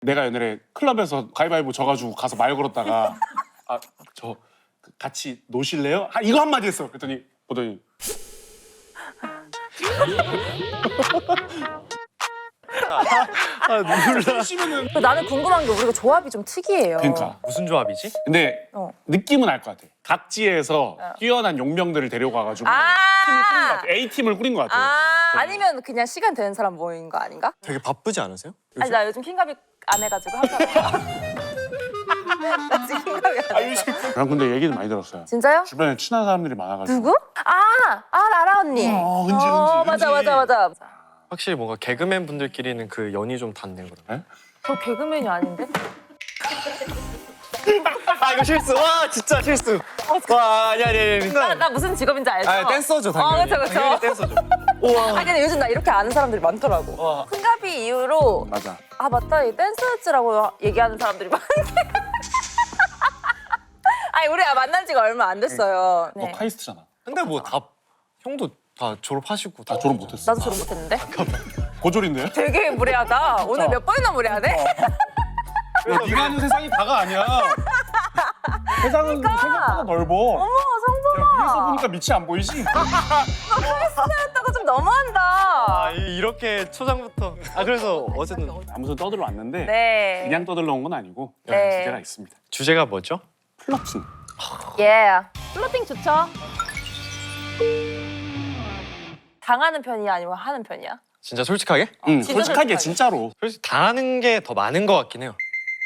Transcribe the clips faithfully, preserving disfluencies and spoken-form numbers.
내가 옛날에 클럽에서 가위바위보 져가지고 가서 말 걸었다가 아 저 같이 노실래요? 아, 이거 한마디 했어. 그랬더니 보더니 아 몰라. 쉬면은 나는 궁금한 게 우리가 조합이 좀 특이해요. 그러니까. 무슨 조합이지? 근데 어. 느낌은 알 것 같아. 각지에서 뛰어난 용병들을 데려가가지고 팀을 꾸린 것 아, 같아. A 팀을 꾸린 것 같아. 아 아니면 그냥 시간 되는 사람 모인 거 아닌가? 되게 바쁘지 않으세요? 아니 나 요즘 킹갑이 안 해가지고 항상 나 지금 킹갑이 안 해. 난 근데 얘기는 많이 들었어요. 진짜요? 주변에 친한 사람들이 많아가지고. 누구? 아, 아 라라 언니. 어, 은지, 어, 은지, 맞아, 은지. 맞아, 맞아. 확실히 뭔가 개그맨 분들끼리는 그 연이 좀 닿네요. 그럼. 저 개그맨이 아닌데? 아 이거 실수. 와 진짜 실수. 와 아니 아니 아니. 나, 나 무슨 직업인지 알죠? 아 댄서죠 당연히. 어, 그쵸, 그쵸. 당연히 댄서죠. 우와. 아 근데 요즘 나 이렇게 아는 사람들이 많더라고. 와. 킹갑이 이후로 맞아. 아 맞다 이 댄스였지라고 얘기하는 사람들이 많네. 아니 우리가 만난 지가 얼마 안 됐어요. 너 네. 카이스트잖아. 근데 뭐 다 형도 다 졸업하시고 다 나 졸업 못했어. 나도 졸업 못했는데. 고졸인데? 되게 무례하다. 오늘 몇 번이나 무례하네? 야, 네가 아는 세상이 다가 아니야. 세상은 생각보다 넓어. 어머 야, 성범아. 위에서 보니까 밑이 안 보이지? 카리스마였다고 좀 너무한다. 아 이- 이렇게 초장부터. 아 그래서 어쨌든 아무튼 떠들러 왔는데 네. 그냥 떠들러 온 건 아니고 네. 주제가 있습니다. 주제가 뭐죠? 플러팅. 예. 플로팅 좋죠? 당하는 편이야 아니면 하는 편이야? 진짜 솔직하게? 응, 진짜 솔직하게 솔직하게. 진짜로. 솔직히 당하는 게 더 많은 것 같긴 해요.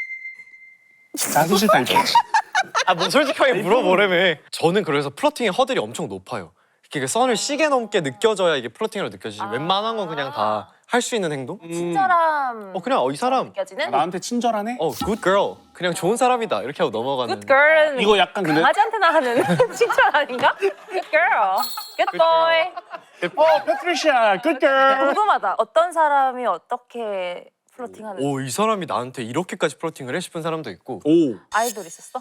나도 싫다 이거. 아 뭐 솔직하게 물어보래매. 저는 그래서 플러팅의 허들이 엄청 높아요. 이렇게 그 선을 시계 넘게 느껴져야 이게 플러팅으로 느껴지지. 아. 웬만한 건 그냥 다 할 수 있는 행동? 친절함 어 그냥 어, 이 사람 느껴지는? 나한테 친절하네? 어 good girl 그냥 좋은 사람이다 이렇게 하고 넘어가는. Good girl은 이거 약간 근데 강아지한테나 하는 칭찬 아닌가? Good girl. Good boy. 어, 패트리샤, 굿걸. 궁금하다. 어떤 사람이 어떻게 플로팅하는지. 오 이 사람이 나한테 이렇게까지 플러팅을 해 싶은 사람도 있고. 오. 아이돌 있었어?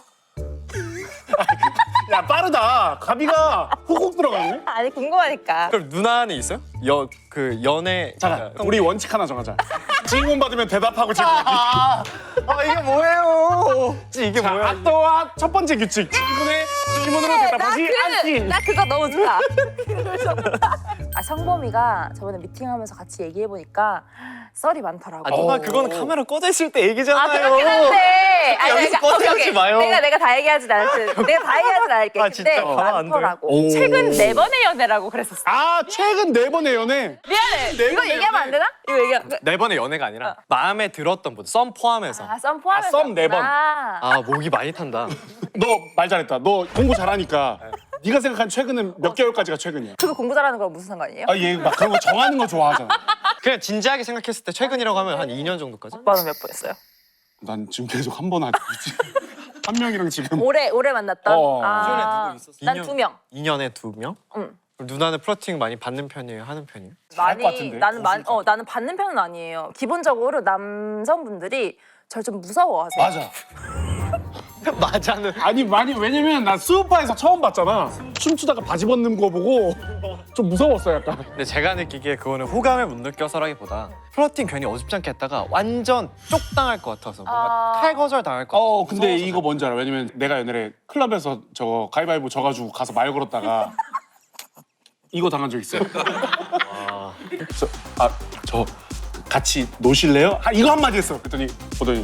야, 빠르다. 가비가 훅훅 들어가네. 아니 궁금하니까. 그럼 누나는 있어요? 여 그 연애. 잠깐, 우리 원칙 하나 정하자. 질문 받으면 대답하고 질문. 아, 아 이게 뭐예요? 이게 자, 뭐야? 아또와 첫 번째 규칙. 질문에 질문으로 대답하지 않기. 나 그거 너무 좋다. 아 성범이가 저번에 미팅하면서 같이 얘기해 보니까 썰이 많더라고. 아 누나 어. 그거는 카메라 꺼져 있을 때 얘기잖아요. 아 그렇긴 한데. 아니, 여기서 내가- 꺼내지 오케이, 오케이. 마요. 내가 내가 다 얘기하진 않을 테 내가 다 얘기하진 않을게. 아, 진짜? 근데 가만 안 돼. 많더라고. 오. 최근 네 번의 연애라고 그랬었어. 아, 최근 네 번의 연애. 미안해. 네 이거 번의 얘기하면 안 되나? 이거 얘기하면. 네 번의 연애가 아니라 마음에 들었던 분, 썸 포함해서. 아 썸 포함해서. 썸네 번. 아, 아 목이 많이 탄다. 너 말 잘했다. 너 공부 잘하니까. 네가 생각한 최근은 몇 개월까지가 최근이야? 그거 공부 잘하는 거랑 무슨 상관이에요? 아, 얘 막 그런 거 정하는 거 좋아하잖아. 그냥 진지하게 생각했을 때 최근이라고 하면 한 이 년 정도까지? 오빠는 몇 번 했어요? 난 지금 계속 한 번 하고 있지. 한 명이랑 지금. 올해 올해 만났던. 어. 기존에 아, 누구 있었어? 난 이 년. 두 명. 이 년에 두 명? 응. 그럼 누나는 플러팅 많이 받는 편이에요? 하는 편이에요? 잘할 것 많이 같은데, 나는 많, 웃으니까. 어 나는 받는 편은 아니에요. 기본적으로 남성분들이 절 좀 무서워하세요. 맞아. 맞아는. 아니 많이 왜냐면 나 수우파에서 처음 봤잖아. 춤추다가 바지 벗는 거 보고 좀 무서웠어 약간. 근데 제가 느끼기에 그거는 호감을 못 느껴서라기보다 플러팅 괜히 어줍지 않게 했다가 완전 쪽당할 것 같아서 뭔가 아. 탈거절 당할 것 같아서. 어 근데 무서워서 이거 뭔지 알아? 왜냐면 내가 옛날에 클럽에서 저거 가위바위보 져가지고 가서 말 걸었다가 이거 당한 적 있어요. 아. 그래서 아저 같이 노실래요? 아 이거 한마디 했어. 그랬더니 보더니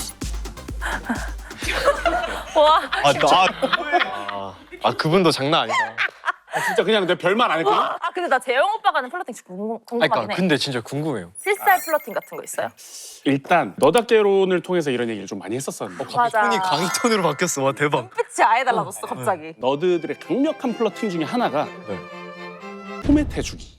와. 아, 나, 아, 아 그분도 장난 아니다. 아 진짜 그냥 내 별말 안 했거든. 아 근데 나 재영 오빠가 하는 플러팅 진짜 궁금, 아니, 궁금하긴 그러니까 해. 근데 진짜 궁금해요. 필살 플러팅 같은 거 있어요? 일단 너답게론을 통해서 이런 얘기를 좀 많이 했었었는데 맞아. 톤이 강의 톤으로 바뀌었어. 와 대박. 빛이 아예 달라졌어 갑자기. 너드들의 강력한 플러팅 중에 하나가 네. 포맷 해주기.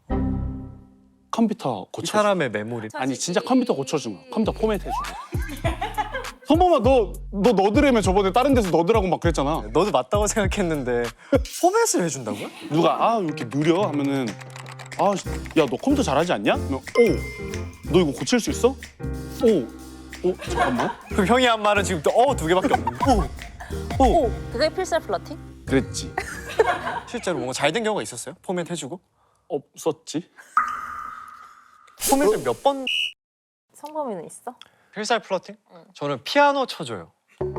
컴퓨터 이 고쳐. 사람의 메모리. 아니 진짜 컴퓨터 고쳐준 거. 컴퓨터 포맷 해주기. 성범아 너 너 너드라며 저번에 다른 데서 너드라고 막 그랬잖아. 너도 맞다고 생각했는데 포맷을 해준다고요? 누가 아 왜 이렇게 느려 하면은 아 야 너 컴퓨터 잘하지 않냐? 오너 이거 고칠 수 있어? 오 오 잠깐만. 그럼 형이 한 말은 지금 또 어 두 개밖에 없는데. 오. 오. 오 그게 필살 플러팅? 그랬지. 실제로 뭔가 잘 된 경우가 있었어요? 포맷 해주고? 없었지. 포맷을 몇 번? 성범이는 있어? 필살 플러팅? 저는 피아노 쳐줘요.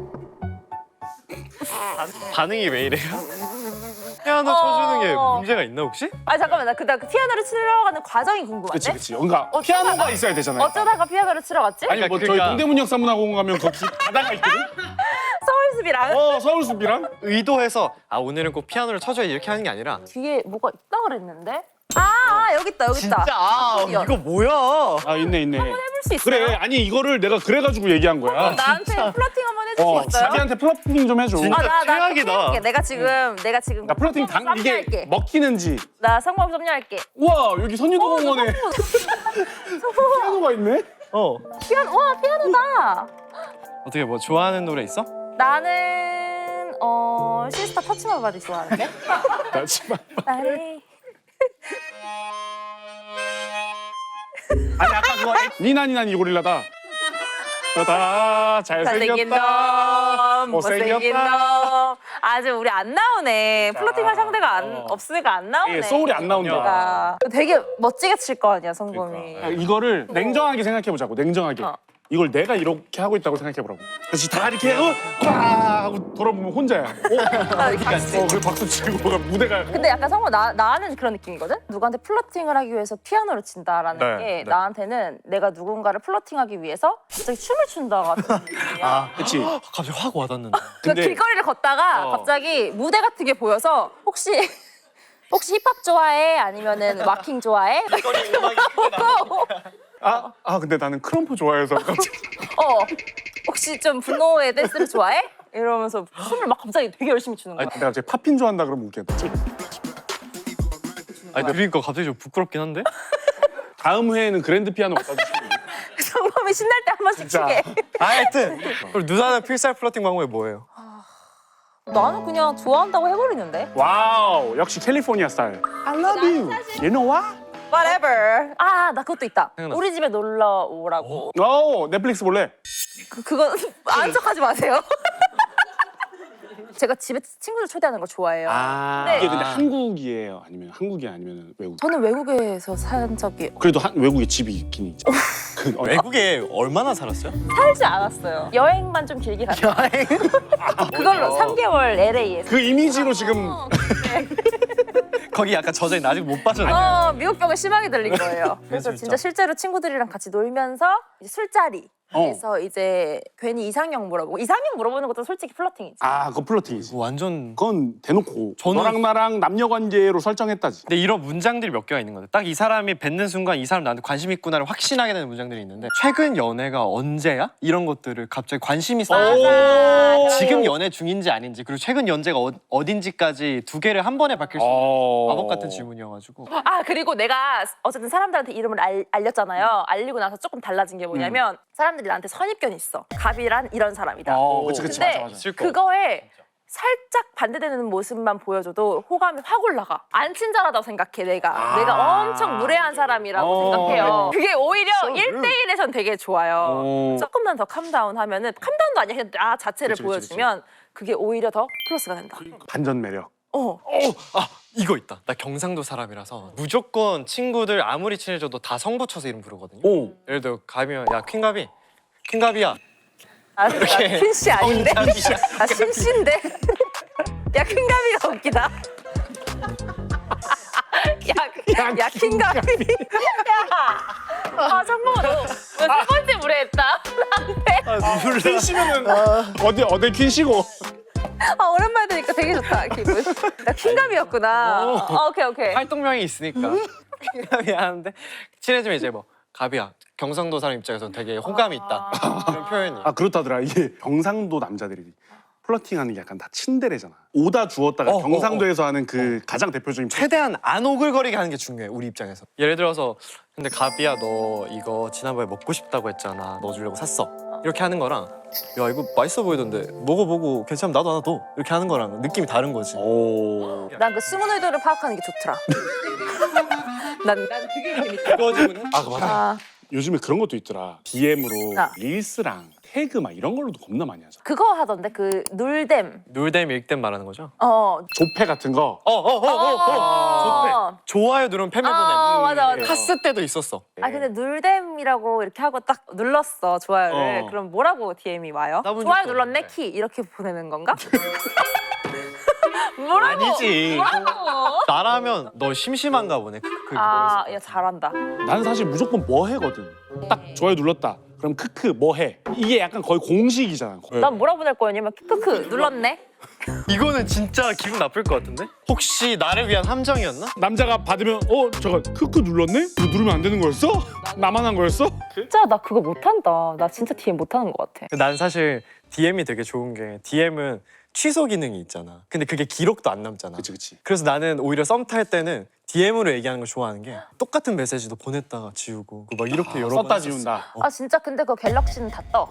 반응이 왜 이래요? 피아노 쳐주는 게 어. 문제가 있나 혹시? 아 잠깐만 나 그다음 그 피아노를 치러 가는 과정이 궁금한데. 그치 그치. 그러니까 어쩌다가- 피아노가 있어야 되잖아요. 어쩌다가 피아노를 치러 갔지? 아니 뭐 저희 그러니까- 동대문 역사문화공원 가면 거기 바다가 있거든. 서울숲이랑 어 서울숲이랑. 의도해서 아 오늘은 꼭 피아노를 쳐줘야 이렇게 하는 게 아니라 뒤에 뭐가 있다 그랬는데. 아, 아 여기 있다 여기 있다. 아 이거 뭐야? 아 있네 있네. 해볼 수 있어요? 그래 아니 이거를 내가 그래가지고 얘기한 거야. 나한테 플러팅 한번 해줄 어 수 있어요? 자기한테 플러팅 좀 해줘. 진짜. 아, 나, 나 최악이다. 해볼게. 내가 지금 내가 지금 나 플러팅 당 이게 섭리할게. 먹히는지. 나 성공 섭리할게. 우와 여기 선유도공원에 성공. 피아노가 있네. 어 피아노 와 피아노다. 어떻게 뭐 좋아하는 노래 있어? 나는 어 시스타 터치만 바디 좋아하는데. 나 지금 나를 아니 아까 그거 니나니나니 고릴라다. 다 잘생긴 잘생겼다. 놈, 못생긴 놈. 아직 우리 안 나오네. 플러팅할 상대가 안, 어. 없으니까 안 나오네. 예, 소울이 안 나온다. 아, 되게 멋지게 칠 거 아니야 성범이. 아, 이거를 냉정하게 생각해 보자고. 냉정하게. 어. 이걸 내가 이렇게 하고 있다고 생각해 보라고. 다시 다 이렇게 하고 꽉 하고 돌아보면 혼자야. 어, 아, 박수. 어, 그래 박수 치고 막 무대가. 근데 약간 성범 나 나는 그런 느낌이거든. 누구한테 플러팅을 하기 위해서 피아노를 친다라는 네, 게 네. 나한테는 내가 누군가를 플러팅하기 위해서 갑자기 춤을 춘다 같은 느낌이야. 아, 그렇지. 갑자기 확 와닿는다. 그 근데- 길거리를 걷다가 어. 갑자기 무대 같은 게 보여서 혹시 혹시 힙합 좋아해? 아니면은 왁킹 좋아해? 아, 아 근데 나는 크럼프 좋아해서 갑자기. 어 혹시 좀 분노의 댄스를 좋아해? 이러면서 춤을 막 갑자기 되게 열심히 추는 거야. 아니, 내가 갑자기 팝핀 좋아한다 그러면 웃겠다. 아니 들으니까 갑자기 좀 부끄럽긴 한데? 다음 회에는 그랜드 피아노 갖다 주시면 돼요. 성범이 신날 때 한 번씩 진짜. 추게. 아, 하여튼 그럼 누나는 필살 플러팅 방법이 뭐예요? 나는 그냥 좋아한다고 해버리는데. 와우 역시 캘리포니아 스타일. I love you. You know what? Whatever. 아 나 그것도 있다. 생각났어. 우리 집에 놀러 오라고. 오 넷플릭스 볼래? 그 그거 아는 척하지 마세요. 제가 집에 친구들 초대하는 걸 좋아해요. 아 네. 이게 근데 한국이에요? 아니면 한국이 아니면 외국? 저는 외국에서 산 적이 그래도 한, 외국에 집이 있긴 있죠. 그, 어, 외국에 얼마나 살았어요? 살지 않았어요. 여행만 좀 길게 갔어요. 여행? 그걸로 삼 개월 엘에이에서. 그 이미지로 지금 거기 약간 저장이 아직 못 빠졌네. 어, 미국병을 심하게 들린 거예요. 그래서 진짜. 진짜 실제로 친구들이랑 같이 놀면서 이제 술자리에서 이제 괜히 이상형 물어보고 이상형 물어보는 것도 솔직히 플러팅이지. 아 그거 플러팅이지. 이거 완전. 그건 대놓고 저는- 너랑 나랑 남녀 관계로 설정했다지. 근데 이런 문장들이 몇 개가 있는 건데 딱 이 사람이 뱉는 순간 이 사람 나한테 관심 있구나를 확신하게 되는 문장들이 있는데 최근 연애가 언제야? 이런 것들을 갑자기 관심이 쌓여. 맞아. 지금 연애 중인지 아닌지 그리고 최근 연재가 어, 어딘지까지 두 개를 한 번에 밝힐 수 있는 어... 마법 같은 질문이어가지고 아 그리고 내가 어쨌든 사람들한테 이름을 알, 알렸잖아요. 알리고 나서 조금 달라진 게 뭐냐면 사람들이 나한테 선입견이 있어. 갑이란 이런 사람이다. 어, 그치 그치 근데 맞아 맞아. 있을 거. 그거에 살짝 반대되는 모습만 보여줘도 호감이 확 올라가. 안 친절하다고 생각해 내가. 아. 내가 엄청 무례한 사람이라고 어, 생각해요. 네. 그게 오히려 So 일 대 일에선 되게 좋아요. 어. 조금만 더 캄다운 하면은 캄다운도 아니야. 그냥 나 자체를 그치, 그치, 보여주면 그게 오히려 더 플러스가 된다. 반전 매력. 어. 아 이거 있다. 나 경상도 사람이라서 무조건 친구들 아무리 친해져도 다 성 붙여서 이름 부르거든요. 오. 예를 들어 가면 야 퀸갑이 퀸갑이야. 아, 나 퀸씨 아닌데? 성인장이야. 아, 신씨인데? 야, 퀸가비가 웃기다. 야, 야, 퀸가비. 야. 아, 정말 너세 번째 무례했다. 나한테. 몰라. 퀸씨면은 어디 어디 퀸씨고. 아, 오랜만에 들으니까 되게 좋다, 기분. 나 퀸가비였구나. 어, 오케이, 오케이. 활동명이 있으니까 퀸갑이 하는데 친해지면 이제 뭐 가비야. 경상도 사람 입장에서 되게 호감이 있다. 이런 표현이. 아 그렇다더라. 이게 경상도 남자들이 플러팅하는 게 약간 다 친데레잖아. 오다 주었다가 어, 경상도에서 하는 그 가장 대표적인 최대한 안 오글거리게 하는 게 중요해 우리 입장에서. 예를 들어서 근데 가비야 너 이거 지난번에 먹고 싶다고 했잖아. 너 주려고 샀어. 이렇게 하는 거랑 야 이거 맛있어 보이던데 먹어보고 괜찮으면 나도 하나 더 이렇게 하는 거랑 느낌이 다른 거지. 오. 난 그 숨은 의도를 파악하는 게 좋더라. 난, 난 그게 재밌다. 그거지는. 아 맞아. 아, 요즘에 그런 것도 있더라. 디엠으로 아. 릴스랑 태그 막 이런 걸로도 겁나 많이 하잖아. 그거 하던데 그 눌댐. 놀댐 읽댐 말하는 거죠? 어. 조패 같은 거. 어어어어어 어. 좋아요 누르면 팬을 어, 보내. 맞아, 맞아. 카스 때도 있었어. 아 근데 눌댐이라고 이렇게 하고 딱 눌렀어 좋아요를. 어. 그럼 뭐라고 디엠이 와요? 나본 좋아요 적도 눌렀네 없는데. 키 이렇게 보내는 건가? 뭐라고? 아니지. 뭐라고? 나라면 너 심심한가 보네. 그, 그 아, 야 잘한다. 나는 사실 무조건 뭐 해거든. 딱 좋아요 눌렀다. 그럼 크크 뭐 해. 이게 약간 거의 공식이잖아. 난 뭐라 보낼 거였냐면 크크크 눌렀네. 이거는 진짜 기분 나쁠 것 같은데? 혹시 나를 위한 함정이었나? 남자가 받으면 어 잠깐 크크 눌렀네? 이거 누르면 안 되는 거였어? 나만 한 거였어? 진짜 나 그거 못한다. 나 진짜 디엠 못하는 것 같아. 난 사실 디엠이 되게 좋은 게 디엠은 취소 기능이 있잖아. 근데 그게 기록도 안 남잖아. 그치 그치. 그래서 나는 오히려 썸 탈 때는 디엠으로 얘기하는 걸 좋아하는 게 똑같은 메시지도 보냈다가 지우고 막 이렇게 여러 번 썼다 했었어. 지운다. 아 진짜 근데 그 갤럭시는 다 떠.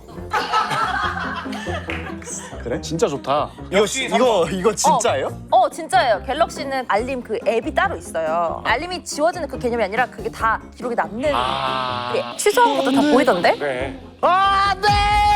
그래? 진짜 좋다. 이거 이거 이거 진짜예요? 어 진짜예요. 갤럭시는 알림 그 앱이 따로 있어요. 알림이 지워지는 그 개념이 아니라 그게 다 기록이 남는. 아. 그게 취소한 것도 다 보이던데? 그래. 아, 네!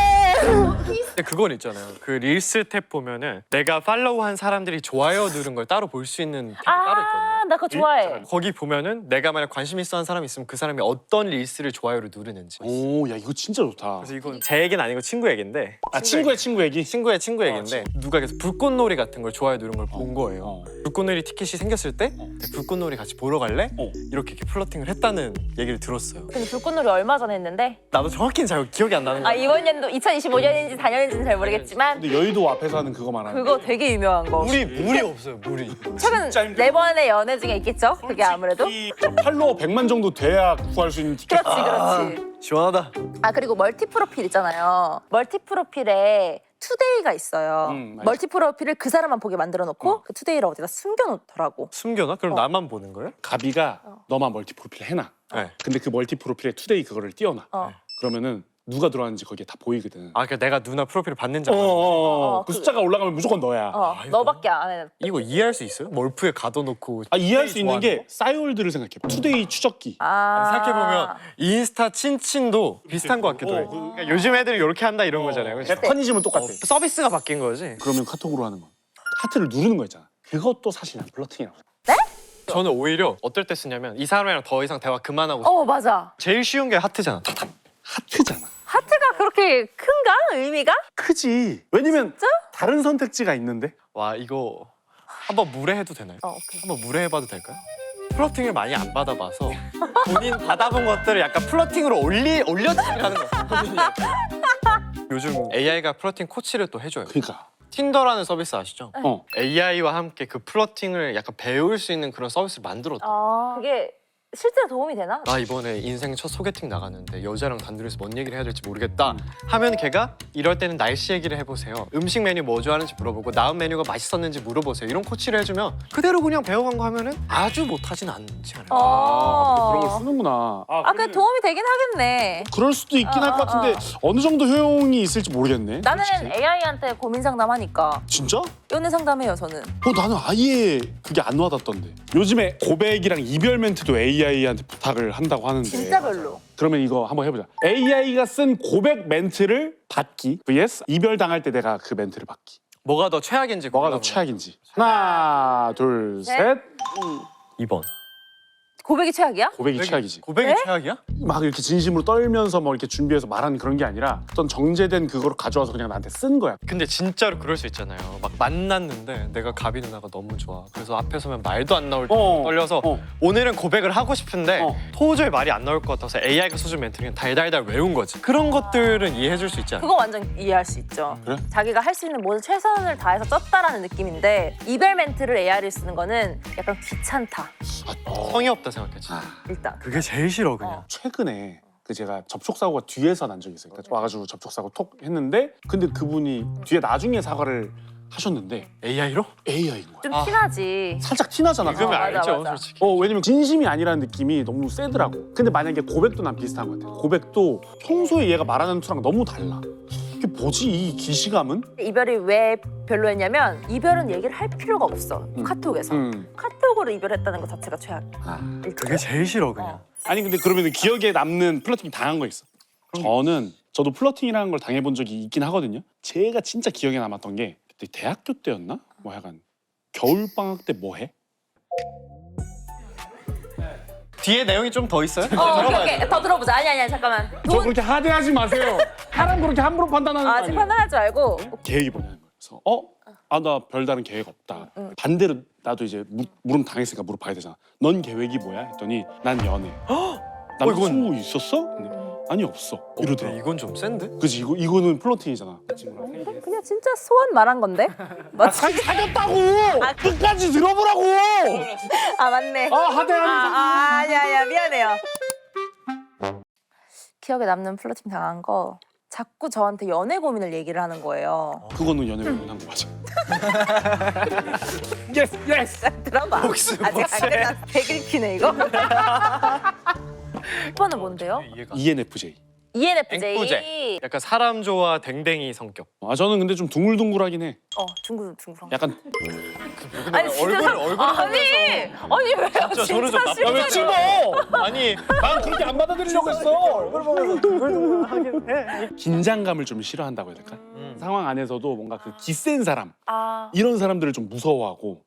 근데 그건 있잖아요. 그 릴스 탭 보면은 내가 팔로우한 사람들이 좋아요 누른 걸 따로 볼 수 있는 탭이 따로 있거든요. 아, 나 그거 좋아해. 거기 보면은 내가 만약 관심 있어 한 사람이 있으면 그 사람이 어떤 릴스를 좋아요로 누르는지. 오, 야 이거 진짜 좋다. 그래서 이건 제 얘기는 아니고 친구 얘기인데. 아 친구의 친구 얘기. 친구의 친구 얘기인데 누가 계속 불꽃놀이 같은 걸 좋아요 누른 걸 본 거예요. 어. 불꽃놀이 티켓이 생겼을 때 불꽃놀이 같이 보러 갈래? 어. 이렇게 이렇게 플러팅을 했다는 얘기를 들었어요. 근데 불꽃놀이 얼마 전에 했는데 나도 정확히는 잘 기억이 안 나는 아 거야. 이번 연도 이천이십오 년인지 사 년인지는 잘 모르겠지만 근데 여의도 앞에서 하는 그거 말하는. 그거 되게 유명한 거. 물이 물이 없어요. 물이. 최근 진짜 힘들어. 네 번의 연애 중에 있겠죠? 그게 아무래도. 이 팔로워 백만 정도 돼야 구할 수 있는 티켓. 그렇지 그렇지. 시원하다. 아 그리고 멀티 프로필 있잖아요. 멀티 프로필에 투데이가 있어요. 음, 맞아. 멀티 프로필을 그 사람만 보게 만들어 놓고 그 투데이를 어디다 숨겨놓더라고. 숨겨놔? 그럼 어. 나만 보는 거예요? 가비가 너만 멀티 프로필 해놔. 네. 근데 그 멀티 프로필에 투데이 그거를 띄워놔. 어. 그러면은 누가 들어왔는지 거기에 다 보이거든. 아, 그러니까 내가 누나 프로필을 봤는지 어, 알아. 어, 어. 어, 그 그- 숫자가 올라가면 무조건 너야. 어, 아, 이거? 너밖에 안 해. 이거 이해할 수 있어요? 멀프에 가둬놓고. 아 이해할 수 있는 좋아하는 게 싸이월드를 생각해. 투데이 추적기. 아. 생각해보면 인스타 친친도 비슷한 것 같기도 해. 어, 그- 그러니까 요즘 애들이 이렇게 한다 이런 거잖아요. 그렇죠? 메커니즘은 똑같아. 어, 서비스가 바뀐 거지. 그러면 카톡으로 하는 거. 하트를 누르는 거 있잖아. 그것도 사실 난 플러팅이라고. 저는 오히려 어떨 때 쓰냐면 이 사람이랑 더 이상 대화 그만하고 싶어. 어 맞아. 제일 쉬운 게 하트잖아. 하트잖아. 하트가 그렇게 큰가 의미가? 크지. 왜냐면 다른 선택지가 있는데. 와 이거 한번 무례해도 되나요? 어 오케이. 한번 무례해봐도 될까요? 플러팅을 많이 안 받아봐서 본인 받아본 것들을 약간 플러팅으로 올리 올려치기하는 거야. 본인이 약간. 요즘 에이아이가 플러팅 코치를 또 해줘요. 그러니까. 틴더라는 서비스 아시죠? 어. 에이아이와 함께 그 플러팅을 약간 배울 수 있는 그런 서비스를 만들었다. 아 그게 실제로 도움이 되나? 나 이번에 인생 첫 소개팅 나갔는데 여자랑 단둘이서 뭔 얘기를 해야 될지 모르겠다 하면 걔가 이럴 때는 날씨 얘기를 해보세요. 음식 메뉴 뭐 좋아하는지 물어보고 나은 메뉴가 맛있었는지 물어보세요. 이런 코치를 해주면 그대로 그냥 배워간 거 하면은 아주 못하진 않지 않아요? 어. 그런 걸 쓰는구나. 아 그게 도움이 되긴 하겠네. 그럴 수도 있긴 어, 할 것 어, 같은데 어느 정도 효용이 있을지 모르겠네. 나는 솔직히. 에이아이한테 고민 상담하니까 진짜? 연애 상담해요 저는. 어 나는 아예 그게 안 와닿던데. 요즘에 고백이랑 이별 멘트도 에이아이한테 부탁을 한다고 하는데. 진짜 별로. 그러면 이거 한번 해보자. 에이아이가 쓴 고백 멘트를 받기 vs 이별 당할 때 내가 그 멘트를 받기. 뭐가 더 최악인지 뭐가 더 골라보면. 최악인지. 하나, 둘, 셋. 셋. 이 번. 고백이 최악이야? 고백이 최악이지. 고백이 네? 최악이야? 막 이렇게 진심으로 떨면서 뭐 이렇게 준비해서 말하는 그런 게 아니라 어떤 정제된 그거를 가져와서 그냥 나한테 쓴 거야. 근데 진짜로 그럴 수 있잖아요. 막 만났는데 내가 가비 누나가 너무 좋아. 그래서 앞에 서면 말도 안 나올 때 어. 떨려서 어. 오늘은 고백을 하고 싶은데 어. 도저히 말이 안 나올 것 같아서 에이아이가 써준 멘트를 그냥 달달달 외운 거지. 그런 것들은 이해해줄 수 있지 않아? 그거 완전 이해할 수 있죠. 그래? 자기가 할 수 있는 모든 최선을 다해서 쪘다라는 느낌인데 이별 멘트를 에이아이를 쓰는 거는 약간 귀찮다. 성의 없다 생각했지. 일단. 그게 제일 싫어 그냥. 어. 최근에 그 제가 접촉 사고가 뒤에서 난 적이 있어요. 그러니까 와가지고 접촉 사고 톡 했는데 근데 그분이 뒤에 나중에 사과를 하셨는데 에이아이로? 에이아이인 거야. 좀 아. 티나지. 살짝 티나잖아. 읽으면 어, 맞아, 알죠 맞아. 솔직히. 어 왜냐면 진심이 아니라는 느낌이 너무 세더라고. 근데 만약에 고백도 난 비슷한 것 같아. 고백도 평소에 얘가 말하는 투랑 너무 달라. 이게 뭐지 이 기시감은? 이별이 왜 별로였냐면 이별은 얘기를 할 필요가 없어. 음. 카톡에서. 음. 카톡으로 이별했다는 것 자체가 최악. 아. 일단. 그게 제일 싫어 그냥. 어. 아니 근데 그러면 기억에 남는 플러팅 당한 거 있어. 저는 저도 플러팅이라는 걸 당해본 적이 있긴 하거든요. 제가 진짜 기억에 남았던 게 그때 대학교 때였나? 뭐 약간 겨울 방학 때 뭐 해? 뒤에 내용이 좀 더 있어요? 어, 오케이, 오케이. 더 들어보자. 아니, 아니, 잠깐만. 저 돈 그렇게 하대하지 마세요. 사람 그렇게 함부로 판단하는 거 아직 아니에요. 판단할 줄 알고. 계획이 뭐냐는 거예요. 그래서 어? 아, 나 별다른 계획 없다. 반대로 나도 이제 무, 물음 당했으니까 물어봐야 되잖아. 넌 계획이 뭐야? 했더니 난 연애. 남자친구 있었어? 근데 아니 없어. 이러더라. 어, 이건 좀 센데? 그치 이거 이거는 플러팅이잖아. 그냥 진짜 소원 말한 건데? 맞지? 사귀었다고. 끝까지 들어보라고. 아, 맞네. 아 하대하는. 아, 아, 아니야, 아니야. 미안해요. 기억에 남는 플러팅 당한 거 자꾸 저한테 연애 고민을 얘기를 하는 거예요. 그거는 연애 고민한 거 맞아. 예스 예스. 들어봐. 복수, 아직 안 복수. 끝났어. 대긁히네 이거. 이거는 뭔데요? 이해가. 이엔에프제이. 이엔에프제이. 앵뿌제. 약간 사람 좋아 댕댕이 성격. 아 저는 근데 좀 둥글둥글하긴 해. 어, 둥글 둥글. 약간 아니 진짜 얼굴, 사- 얼굴 아니 아니 왜요? 진짜 저를 좀 진짜 나쁘게 싫어요. 아니 난 그렇게 안 받아들이려고 했어. 얼굴 보면서 둥글둥글하긴 해. 긴장감을 좀 싫어한다고 해야 될까? 음. 상황 안에서도 뭔가 그 기센 사람 아, 이런 사람들을 좀 무서워하고.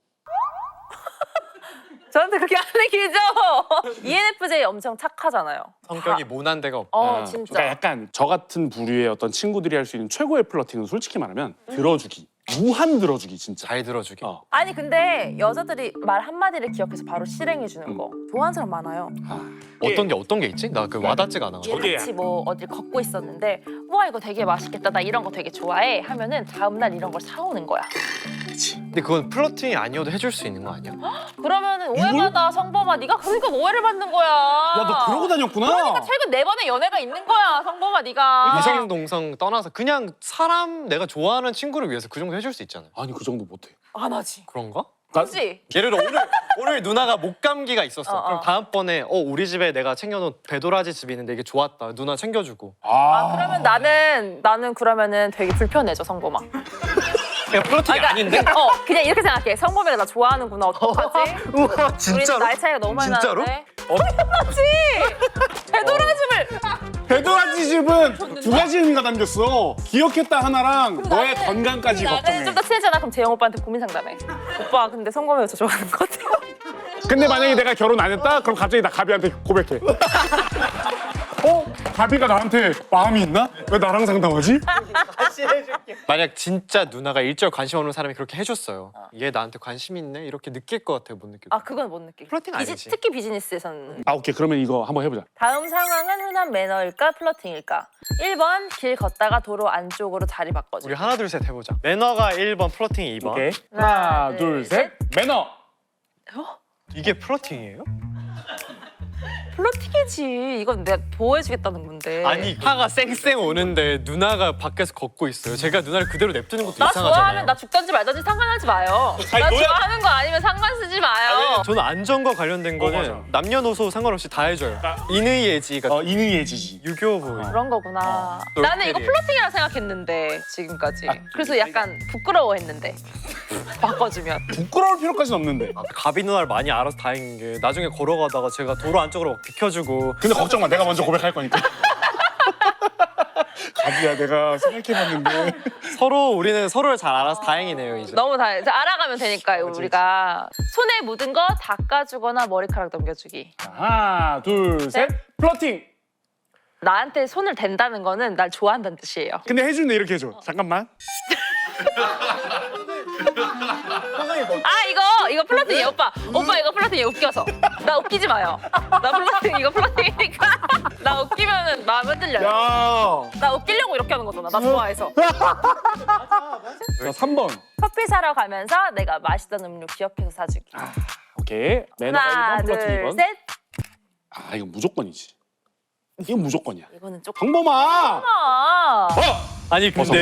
저한테 그렇게 안 얘기죠. 이엔에프제이 엄청 착하잖아요. 성격이 다- 모난 데가 없다. 어, 아, 진짜. 그러니까 약간 저 같은 부류의 어떤 친구들이 할 수 있는 최고의 플러팅은 솔직히 말하면 들어주기. 무한 들어주기 진짜. 잘 들어주기. 어. 아니 근데 여자들이 말 한마디를 기억해서 바로 실행해 주는 거 좋아하는 사람 많아요. 어떤 게 어떤 게 있지? 나 그 와닿지가 않아. 얘 같이 뭐 어딜 걷고 있었는데 와 이거 되게 맛있겠다 나 이런 거 되게 좋아해 하면은 다음날 이런 걸 사오는 거야. 근데 그건 플러팅이 아니어도 해줄 수 있는 거 아니야? 그러면은 오해받아 성범아 네가 그러니까 오해를 받는 거야. 야 너 그러고 다녔구나. 그러니까 최근 네 번의 연애가 있는 거야 성범아 네가. 이성 동성 떠나서 그냥 사람 내가 좋아하는 친구를 위해서 그 정도 해줄 수 있잖아요. 아니 그 정도 못해. 안 하지. 그런가? 나- 그렇지. 예를 들어 오늘 오늘 누나가 목감기가 있었어. 어, 어. 그럼 다음번에 어 우리 집에 내가 챙겨놓은 배도라지 집이 있는데 이게 좋았다. 누나 챙겨주고. 아 그러면 나는 나는 그러면은 되게 불편해져 성범아. 그냥 플러팅이 그러니까 아닌데? 그냥, 어 그냥 이렇게 생각해. 성범이가 나 좋아하는구나 어떡하지? 우와 우리는 나이 차이가 너무 많이 진짜로? 나는데. 당연하지. 배도라집을. 배도라지 집은 두 가지 의미가 담겼어. 기억했다 하나랑 너의 나는- 건강까지 나는 걱정해. 좀 더 친해잖아. 그럼 재영 오빠한테 고민 상담해. 오빠 근데 성범이가 저 좋아하는 것 같아요. 근데 만약에 내가 결혼 안 했다? 그럼 갑자기 나 가비한테 고백해. 어? 가비가 나한테 마음이 있나? 왜 나랑 상담하지? 만약 진짜 누나가 일절 관심 없는 사람이 그렇게 해줬어요. 얘 나한테 관심 있네? 이렇게 느낄 것 같아요. 못 느낄 것 아 그건 못 느끼. 플러팅 비지- 아니지. 특히 비즈니스에서는. 아 오케이 그러면 이거 한번 해보자. 다음 상황은 흔한 매너일까 플러팅일까? 일 번 길 걷다가 도로 안쪽으로 자리 바꿔줘. 우리 하나 둘 셋 해보자. 매너가 일 번, 플러팅이 이 번. 오케이. 하나, 하나 둘, 둘 셋. 매너. 이게 플러팅이에요? 플러팅이지. 이건 내가 보호해주겠다는 건데. 아니 화가 쌩쌩 오는데 누나가 밖에서 걷고 있어요. 제가 누나를 그대로 냅두는 것도 나 이상하잖아요. 좋아하면 나 죽던지 말던지 상관하지 마요. 아니, 나 너야- 좋아하는 거 아니면 상관 쓰지 마요. 저는 안전과 관련된 거는 맞아. 남녀노소 상관없이 다 해줘요. 인의예지 같은 어 인의예지지. 유교 보이. 그런 거구나. 어. 나는 이거 똘끼리. 플러팅이라 생각했는데 지금까지. 그래서 약간 부끄러워했는데 바꿔주면. 부끄러울 필요까지는 없는데. 아, 가비 누나를 많이 알아서 다행인 게 나중에 걸어가다가 제가 도로 안쪽으로 막 비켜주고 근데 걱정 마. 내가 먼저 고백할 거니까. 가비야 내가 생각해봤는데. 서로 우리는 서로를 잘 알아서 다행이네요 이제. 너무 다 이제 알아가면 되니까요 우리가. 손에 묻은 거 닦아주거나 머리카락 넘겨주기. 하나 둘 셋. 플러팅. 나한테 손을 댄다는 거는 날 좋아한다는 뜻이에요. 근데 해주는데 이렇게 해줘. 잠깐만. 아 이거 이거 플러팅이에요 오빠. 오빠 이거 플러팅이 웃겨서. 나 웃기지 마요. 나 플러팅 이거 플러팅이니까. 나 웃기면은 마음 흔들려요. 야. 나 웃기려고 이렇게 하는 거잖아. 나 좋아해서. 자 삼 번. 커피 사러 가면서 내가 맛있던 음료 기억해서 사주기. 오케이. 매너가 하나 일 번 플러팅 이 번. 둘 셋. 아 이거 무조건이지. 이건 무조건이야. 이거는 조금. 방범아. 아. 어. 아니 근데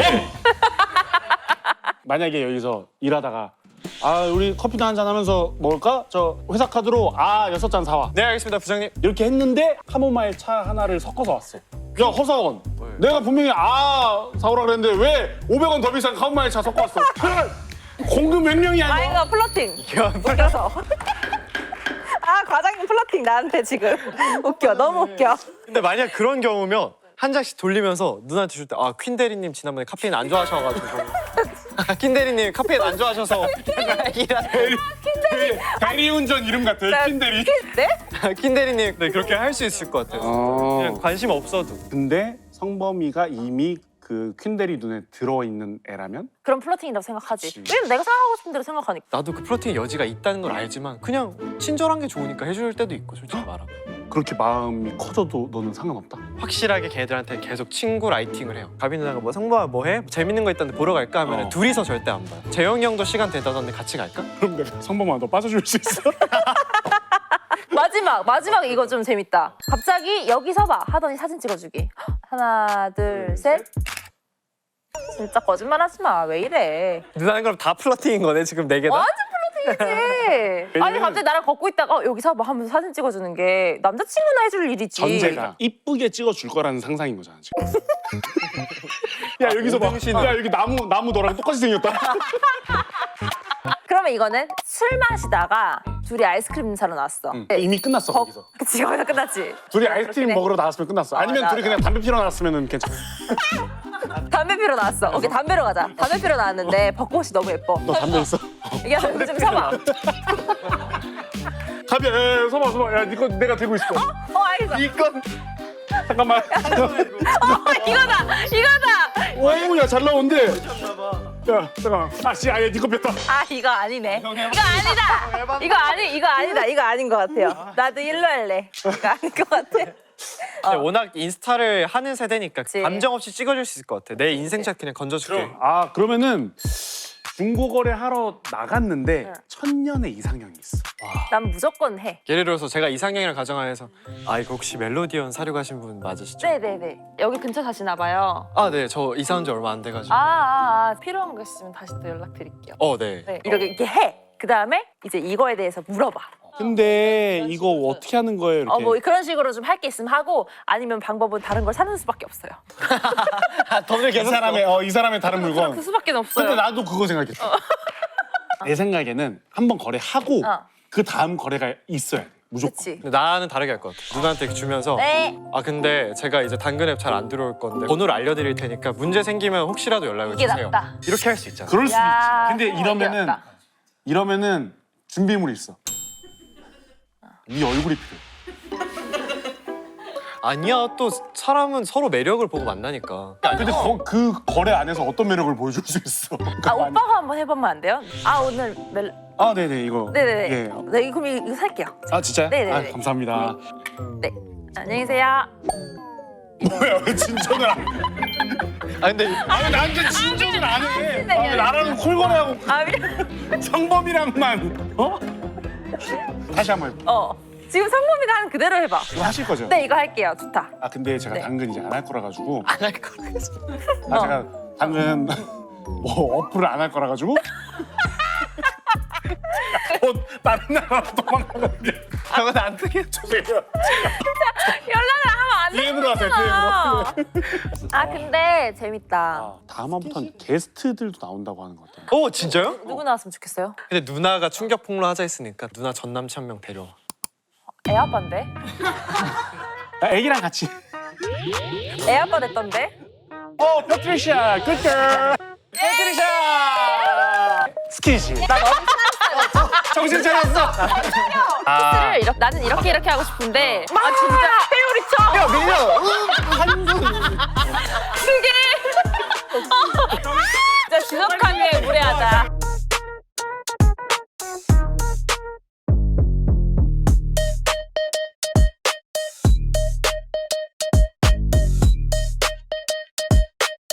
만약에 여기서 일하다가 아 우리 커피도 한잔 하면서 먹을까? 저 회사 카드로 아 여섯 잔 사와. 네 알겠습니다 부장님. 이렇게 했는데 카모마일 차 하나를 섞어서 왔어. 야 허사원, 내가 분명히 아 사오라 그랬는데 왜 오백 원 더 비싼 카모마일 차 섞어 왔어? 공급 횡령이야 아 이거. 이거 플러팅. 웃겨서. 아 과장님 플러팅 나한테 지금 웃겨 너무 웃겨. 근데 만약 그런 경우면 한 장씩 돌리면서 누나한테 줄 때 아 퀸 대리님 지난번에 카페인 안 좋아하셔가지고 퀸 대리님 카페인 안 좋아하셔서 대리운전 이름 같아요. 퀸대리. 네? 퀸 대리님 네 그렇게 할 수 있을 것 같아요. 그냥 어. 관심 없어도. 근데 성범이가 이미 그 퀸대리 눈에 들어있는 애라면 그럼 플러팅이라고 생각하지. 그치. 왜냐면 내가 생각하고 싶은 대로 생각하니까. 나도 그 플러팅의 여지가 있다는 걸 알지만 그냥 친절한 게 좋으니까 해줄 때도 있고 솔직히 말하면 그렇게 마음이 커져도 너는 상관없다? 확실하게 걔들한테 계속 친구 라이팅을 해요. 가비 누나가 뭐 성범아 뭐 해? 재밌는 거 있다는데 보러 갈까? 하면 어. 둘이서 절대 안 봐요. 재영이 형도 시간 된다던데 같이 갈까? 그럼 내가 성범아 너 빠져줄 수 있어? 마지막 마지막 이거 좀 재밌다. 갑자기 여기 서봐 하더니 사진 찍어주기. 하나 둘 셋. 진짜 거짓말하지 마. 왜 이래? 누나는 그럼 다 플러팅인 거네 지금 네 개다? 완전 플러팅이지. 아니 갑자기 나랑 걷고 있다가 어, 여기 서봐 하면서 사진 찍어주는 게 남자친구나 해줄 일이지. 전제가 이쁘게 찍어줄 거라는 상상인 거잖아 지금. 야 여기서 봐. 운동신. 야 여기 나무 나무 너랑 똑같이 생겼다. 그러면 이거는 술 마시다가 둘이 아이스크림 사러 나왔어. 응. 네. 이미 끝났어 거- 거기서. 그치 거기서 끝났지. 둘이 아이스크림 그렇긴 해. 먹으러 나왔으면 끝났어. 아니면 나- 둘이 그냥 담배 피러 나왔으면 괜찮아. 담배 피러 나왔어. 오케이 담배로 가자. 담배 피러 나왔는데 벚꽃이 너무 예뻐. 너 담배 있어? 이게 여기 좀 서봐. 담배 에, 서봐 서봐. 야 니거 내가 들고 있어. 어 알겠어. 이건 잠깐만. 어 이거다 이거다. 오야 잘 나온대. 야 잠깐만. 아씨 아예 니거 뺐다. 아 이거 아니네. 이거 아니다. 이거 아니 이거 아니다. 이거 아닌 것 같아요. 나도 일로 할래. 이거 아닌 것 같아. 근데 워낙 인스타를 하는 세대니까 그치. 감정 없이 찍어줄 수 있을 것 같아. 내 인생샷 그냥 건져줄게. 아 그러면은 중고거래 하러 나갔는데 응. 천년의 이상형이 있어. 난 무조건 해. 예를 들어서 제가 이상형이랑 가정하에서 아 이거 혹시 멜로디언 사려 가신 분 맞으시죠? 네네네. 여기 근처 사시나 봐요. 아 네, 저 이사 온 지 얼마 안 돼가지고. 아, 아, 아 필요한 거 있으면 다시 또 연락드릴게요. 어 네. 네 이렇게 이렇게 해. 그 다음에 이제 이거에 대해서 물어봐. 근데 이거 어떻게 하는 거예요? 이렇게. 어 뭐 그런 식으로 좀 할 게 있으면 하고 아니면 방법은 다른 걸 사는 수밖에 없어요. 돈을 이 계속 사람의 어, 이 사람의 다른 물건. 그 수밖에 없어요. 근데 나도 그거 생각했어. 내 생각에는 한 번 거래하고 어. 그 다음 거래가 있어야 돼. 무조건. 그치. 근데 나는 다르게 할 것 같아. 누나한테 주면서 네. 아 근데 제가 이제 당근 앱 잘 안 들어올 건데 번호를 알려드릴 테니까 문제 생기면 혹시라도 연락을 이게 주세요. 낫다. 이렇게 할 수 있잖아. 그럴 수도 야, 있지. 근데 이러면은 어려웠다. 이러면은 준비물이 있어. 네 얼굴이 필요해. 아니야 또 사람은 서로 매력을 보고 만나니까. 근데 거, 그 거래 안에서 어떤 매력을 보여줄 수 있어? 아 오빠가 한번 해보면 안 돼요? 아 오늘 멜 아 네네 이거. 네네네. 예. 네 그럼 이거 살게요. 아 진짜요? 네네네. 아, 감사합니다. 네. 안녕히 계세요. 뭐야 왜 진정을 안? 아 근데 아니 나한테 진정을 안 해. 진짜 아, 왜 나랑 콜거래하고 아 미안. 성범이랑만 어? 다시 한번 해봐. 어 지금 성범이가 하는 그대로 해봐. 이거 하실 거죠? 네 이거 할게요. 좋다. 아 근데 제가 네. 당근 이제 안 할 거라 가지고 안 할 거라. 아 어. 제가 당근 뭐 어플을 안 할 거라 가지고 곧 다른 나라로 도망가거든요. 그건 안 되게. 죄송해요. 연락을 하면 안 디엠으로 하세요. 되잖아. 디엠으로. 아 근데 재밌다. 다음 화부터는 게스트들도 나온다고 하는 것 같아요. 어 진짜요? 누구 나왔으면 좋겠어요? 근데 누나가 충격 폭로 하자 했으니까 누나 전 남친 한 명 데려와. 애 아빠인데? 아, 애기랑 같이. 애 아빠 됐던데? 어, 패트리샤, 굿걸. 패트리샤. 스키시. 나 너무 정신 차렸어. 아. 스트레스를 이렇게 나는 이렇게 이렇게 하고 싶은데 아 진짜 회오리 쳐. 야 밀려. 한손